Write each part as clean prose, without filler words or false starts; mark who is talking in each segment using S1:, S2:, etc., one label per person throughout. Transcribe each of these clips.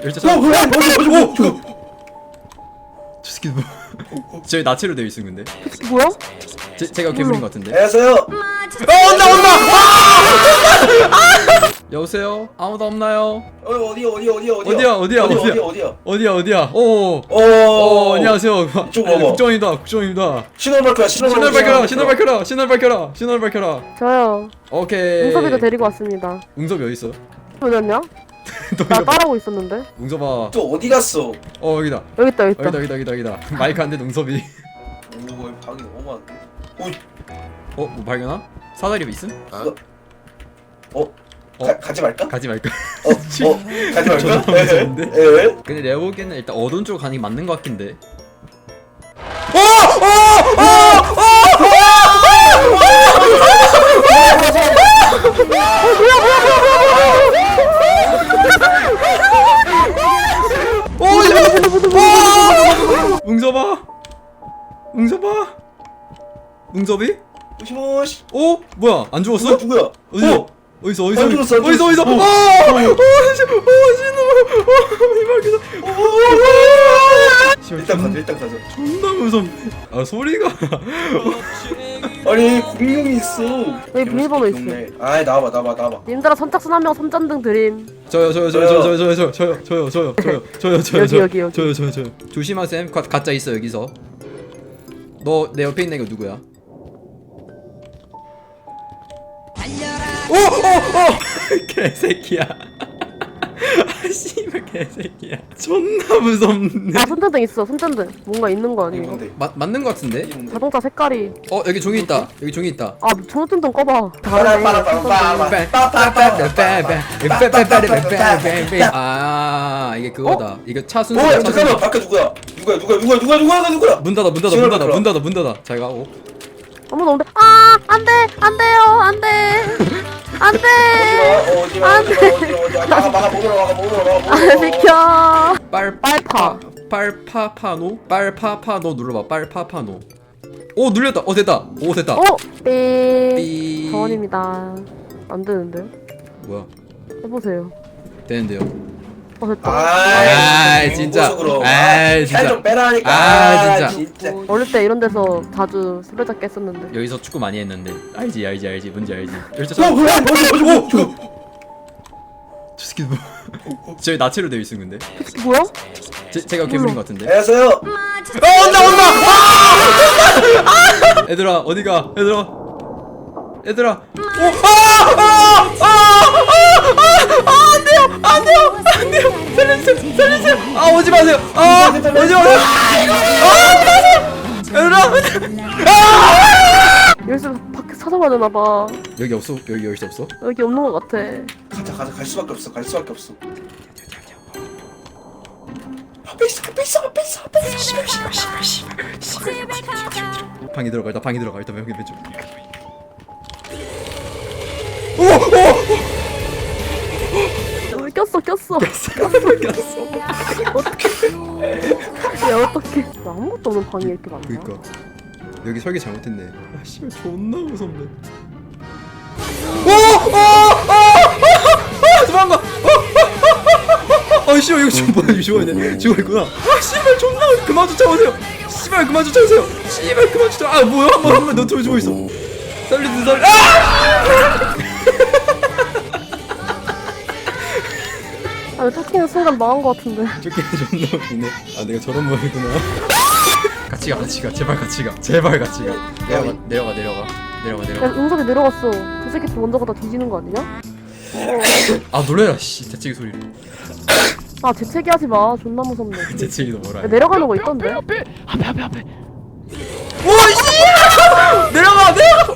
S1: 열차
S2: 뭐야?
S1: 저 새끼 뭐 저희 나체로 되어 있음 근데
S3: 뭐야?
S1: 제가 괴물인 것 같은데
S2: 안녕하세요.
S1: 온다! 여보세요? 아무도 없나요?
S2: 어디야?
S1: 어디야? 오 안녕하세요
S2: 이쪽 와봐.
S1: 국정입니다
S2: 신호를
S1: 신호를 밝혀라
S3: 저요.
S1: 오케이
S3: 웅섭이도 데리고 왔습니다.
S1: 웅섭이 어딨어?
S3: 어디였냐? 나 따라오고 있었는데.
S1: 웅섭아
S2: 또 어디 갔어?
S1: 여기다
S3: 여기 있다.
S1: 여기다 마이크 안 돼 웅섭이
S2: 오, 방이 너무 많은데.
S1: 뭐 발견함? 사다리 있음?
S2: 가지 말까?
S1: 가지 말까?
S2: 가지 말까?
S1: 존나 무서운데?
S2: 예.
S1: 근데 내가 보기에는 일단 어두운 쪽으로 가는 게 맞는 것 같긴데 웅섭이?
S2: 모시모시.
S1: 뭐야 안 죽었어?
S2: 누구야?
S1: 어디서?
S2: 안 죽었어. 일단 가자.
S1: 존나 무섭네 소리가
S2: 아니 공룡이 있어.
S3: 여기 비밀번호 있어.
S2: 아이 나와봐.
S3: 님들아 선착순 한 명 선전등 드림.
S1: 저요
S3: 여기.
S1: 조심하셈 가짜 있어 여기서 너 내 옆에 있는 거 누구야? 개새끼야 씨발 개새끼야 존나 무섭네
S3: 아 손전등 있어. 손전등. 뭔가 있는 거
S2: 이거
S3: 아니야?
S2: 뭔데?
S1: 맞는 거 같은데?
S3: 자동차 색깔이.
S1: 여기 종이 있다
S3: 아 손전등 꺼봐.
S1: 이게 그거다 이거 차 순서
S2: 잠깐만 밖에 누구야? 누구야?
S1: 문 닫아 잘 가고
S3: 아무도 없는데. 안돼.
S2: 막아 못 들어가.
S3: 비켜.
S1: 빨파파노 눌러봐 빨파파노 눌렸다 됐다 삐
S3: 정원입니다. 안 되는데.
S1: 뭐야
S3: 해보세요.
S1: 되는데요
S3: 됐다.
S1: 아이, 진짜. 아이, 진짜.
S2: 살좀 빼라니까.
S1: 진짜.
S3: 어릴 때 이런 데서 자주 술래잡기 했었는데.
S1: 여기서 축구 많이 했는데 알지 뭔지 알지
S2: 뭐야?
S1: 저 새끼 뭐 저희 나체로 되어 있음 근데
S3: 뭐야?
S1: 제가 괴물인 것 같은데
S2: 안녕하세요.
S1: 온다 얘들아 어디가 얘들아 안돼요 살려주세요 오지 마세요 얘들아
S3: 여기서 밖에 찾아봐야 되나봐.
S1: 여기 없어 여기 없어
S3: 여기 없는 것 같아.
S2: 가자. 갈 수밖에 없어. 앞에 있어.
S1: 방에 들어가 일단 여기 왼쪽
S3: 꼈어. 야 어떡해. 나 아무것도 없는 방이 이렇게 많나?
S1: 그니까 여기 설계 잘못했네 씨발 존나 무섭네 도망가 씨발 이거 지금 뭐야 죽어있네 죽어있구나 씨발 존나 그만 쫓아오세요 뭐야 한번 너 죽어있어 살려
S3: 아 쫓기는 순간 망한 것 같은데.
S1: 쫓기는 존나 웃기네 내가 저런 모양이구나 같이 가 제발 같이 가 내려가
S3: 야 웅석이 내려갔어. 저 새끼 먼저 가다 뒤지는 거 아니냐?
S1: 놀래라 씨 재채기 소리로
S3: 아 재채기 하지 마. 존나 무섭네.
S1: 재채기도 뭐라
S3: 야,
S1: 해
S3: 내려가는 거 있던데?
S4: 앞에
S1: 오씨 내려가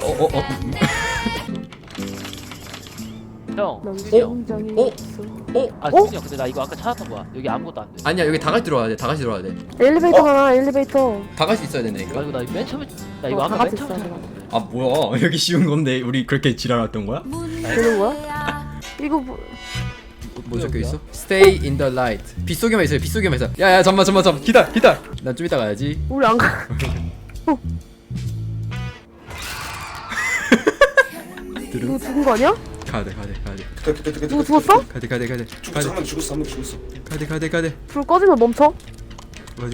S4: 형
S3: 난
S4: 수진이 형
S3: 심장이
S1: 어?
S3: 있어.
S4: 수진이 형 근데 나 이거 아까 찾았던 거야 여기 아무것도 안돼
S1: 아니야 여기 다 같이 들어와야 돼
S3: 엘리베이터잖아. 엘리베이터.
S1: 다 같이 있어야 되니까
S4: 이거 나 맨 처음에 나 이거
S3: 다
S4: 아까
S3: 같이
S4: 맨 처음에
S3: 있어야
S4: 찾았는데
S1: 뭐야 여기 쉬운 건데 우리 그렇게 지랄했던 거야?
S3: 되는 거야? 이거
S1: 뭐 적혀 있어? Stay in the light. 빗속에만 있어요. 야야 잠만. 기다려. 난 좀 이따 가야지.
S3: 우리 안 가. 이거 죽은 거 아니야?
S1: 가야돼
S3: 누구 죽었어?
S1: 가야돼
S2: 죽었어. 한 명 죽었어. 한 명 죽었어.
S1: 가야돼
S3: 불 꺼지면 멈춰.
S1: 어디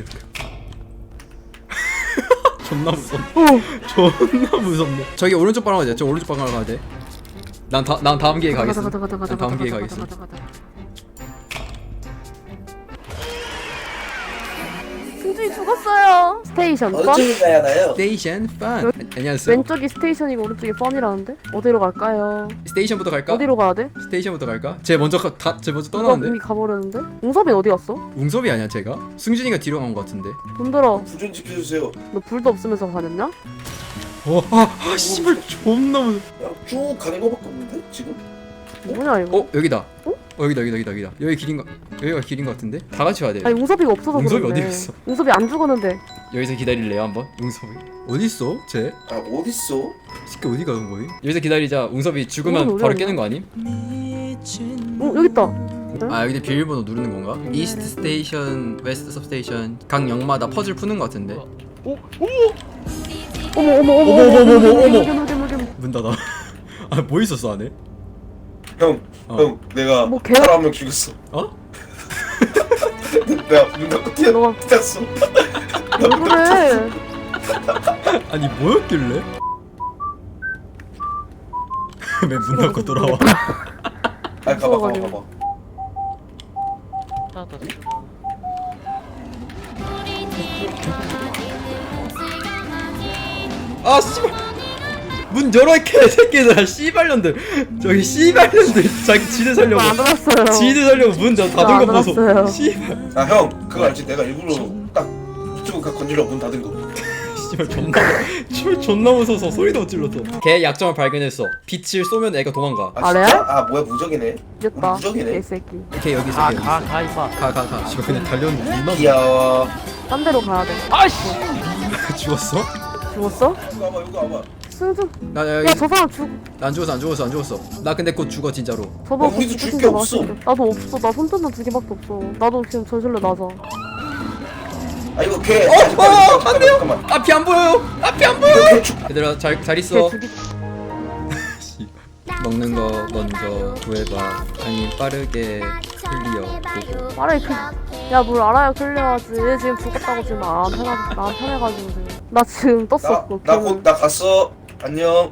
S1: 존나 무섭네.
S3: 어.
S1: 존나 무섭네. 저기 오른쪽 방으로 가자. 저 오른쪽 방으로 가야 돼. 난 다음 기회에 가겠어.
S3: 가자.
S1: 난 다음 기회에 가겠어.
S3: 승준이 죽었어요. 스테이션 펀?
S2: 어떻게 가야 하나요?
S1: 스테이션 판. 안녕하세요.
S3: 왼쪽이 스테이션이고 오른쪽이 펀이라는데? 어디로 갈까요?
S1: 스테이션부터 갈까?
S3: 어디로 가야 돼?
S1: 스테이션부터 갈까? 쟤 먼저 쟤 먼저
S3: 누가
S1: 떠나는데.
S3: 이미 가버렸는데? 웅섭이 어디 갔어?
S1: 웅섭이 아니야 제가? 승준이가 뒤로 간 것 같은데.
S3: 돈 들어.
S2: 불좀 지켜주세요.
S3: 너 불도 없으면서 다녔냐?
S1: 씨발 존나 무서워.
S2: 야, 쭉 가는 거밖에 없는데 지금?
S3: 뭐냐 이거?
S1: 여기다.
S3: 어?
S1: 여기다. 여기 길인 거. 여기가 길인 것 같은데. 다 같이 와야 돼.
S3: 아니 웅섭이가 없어서
S1: 웅섭이
S3: 그런데.
S1: 어디 갔어?
S3: 웅섭이 안 죽었는데.
S1: 여기서 기다릴래요 한번? 웅섭이 어디 있어? 쟤?
S2: 아 어딨어?
S1: 새끼 어디 가는 거임? 여기서 기다리자. 웅섭이 죽으면
S3: 웅섭이
S1: 바로
S3: 어디
S1: 깨는 거 아님?
S3: 여기 있다.
S1: 아 여기 비밀번호 누르는 건가? 이스트 스테이션, 웨스트 서브스테이션 각 역마다 퍼즐 푸는 거 같은데.
S3: 어머.
S1: 어머. 문 닫아. 아 뭐 있었어 안에?
S2: 형,
S1: 어.
S2: 형, 내가
S3: 뭐 개-
S2: 사람 한 명 죽였어.
S1: 어?
S2: 내가 문 닫고
S3: 너가-
S2: 뛰었어.
S3: 왜 그래?
S1: 아니 뭐였길래? 왜 문 닫고 돌아와?
S2: 아 가봐.
S3: 무서워가지고.
S4: 찾았다.
S1: 아 씨발 문 열어 개새끼들아 씨발년들 저기 씨발년들 자기 지들 살려고
S3: 안 알았어요.
S1: 지들 살려고 문 닫은 거
S3: 안
S1: 보소
S3: 알았어요.
S1: 씨발
S2: 아 형, 그거 알지? 내가 일부러 딱 이쪽을 건드려 문 닫은 거.
S1: 씨발 존나 무서워서 소리도 못 질렀어 걔 약점을 발견했어 빛을 쏘면 애가 도망가
S2: 아
S3: 아래?
S2: 진짜? 아 뭐야 무적이네.
S3: 이겼다.
S2: 무적이네.
S3: 개새끼.
S1: 걔 여기 있어 걔 여기 있어
S4: 가 임마.
S1: 가 씨발 그냥 달렸는데 존나
S2: 귀여워.
S3: 딴 데로 가야 돼.
S4: 아이씨.
S1: 죽었어?
S3: 죽었어?
S2: 여기 와봐, 여기 와봐.
S3: 승준.
S1: 나 여기
S3: 야 저 사람
S1: 안 죽었어 나 근데 곧 죽어 진짜로
S3: 저거
S2: 야, 우리도
S3: 죽은
S2: 줄게
S3: 거
S2: 없어.
S3: 같은데. 나도 없어. 나 손전등 2개밖에 없어. 나도 지금 전실로 나자.
S2: 아 이거 걔.
S1: 안 돼요
S2: 잠깐만.
S1: 앞이 안 보여요 앞이 안 보여요
S2: 이거 걔 죽.
S1: 얘들아 잘
S3: 걔
S1: 있어
S3: 죽이.
S1: 씨. 먹는 거 먼저 구해봐 아니 빠르게 클리어 보고
S3: 빠르게 야뭘 알아야 클리어하지. 얘 지금 죽었다고 지금 안 편해가지고 지금. 나 지금 떴어. 너 걔는.
S2: 나곧 나 갔어. 안녕.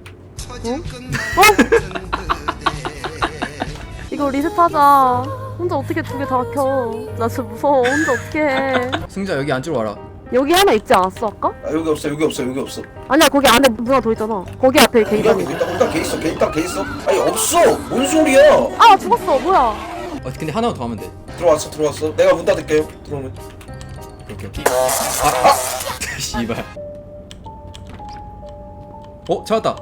S3: 이거 리셋하자. 혼자 어떻게 두 개 다 켜. 나 진짜 무서워. 혼자 어떻게 해.
S1: 승자 여기 앉으러 와라
S3: 여기 하나 있지 않았어 아까?
S2: 아 여기 없어, 여기 없어, 여기 없어.
S3: 아니야 거기 안에 문 하나 더 있잖아. 거기 앞에
S2: 여기
S3: 갱단이.
S2: 일단 걔 있어, 걔 일단 걔 있어. 아니 없어. 뭔 소리야?
S3: 아 죽었어. 뭐야?
S1: 근데 하나만 더 하면 돼
S2: 들어왔어. 내가 문 닫을게요. 들어오면.
S1: 오케이 씨발 찾았다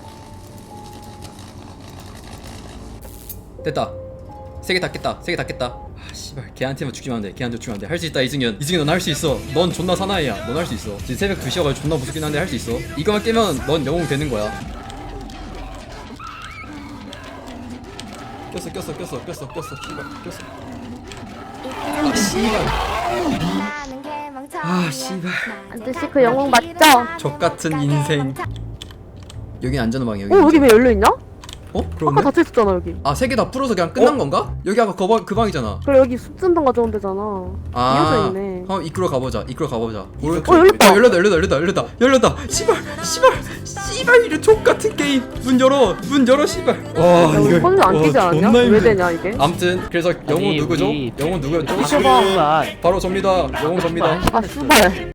S1: 됐다 세 개 다 깼다 아 씨발 걔한테만 죽지만 안돼 걔한테 죽으면 안돼 할 수 있다 이승현 넌 할 수 있어 넌 존나 사나이야 넌 할 수 있어 지금 새벽 2시여가지고 존나 무섭긴 한데 할 수 있어 이거만 깨면 넌 영웅 되는 거야 꼈어 씨발 아 씨발
S3: 안드씨 그 영웅 맞죠?
S1: 족같은 인생 여긴 안전한 방이야
S3: 여기 왜 열려있냐? 아까
S1: 그렇네?
S3: 닫혀있었잖아 여기.
S1: 아 세 개 다 풀어서 그냥 끝난 건가? 여기 아까 그 방이잖아
S3: 그래 여기 숙전등 가져온 데잖아. 이어져 있네.
S1: 이끌어 가보자
S3: 열렸다.
S1: 열렸다 씨발 이런 족같은 게임 문 열어 씨발 와
S3: 야 우리 펀즈 안 끼지 않았냐? 왜 되냐 이게?
S1: 아무튼 그래서 영웅
S4: 아니,
S1: 누구죠?
S4: 우리
S1: 영웅 누구였죠?
S4: 잠깐만.
S1: 바로 접니다 영웅 접니다
S3: 아 씨발.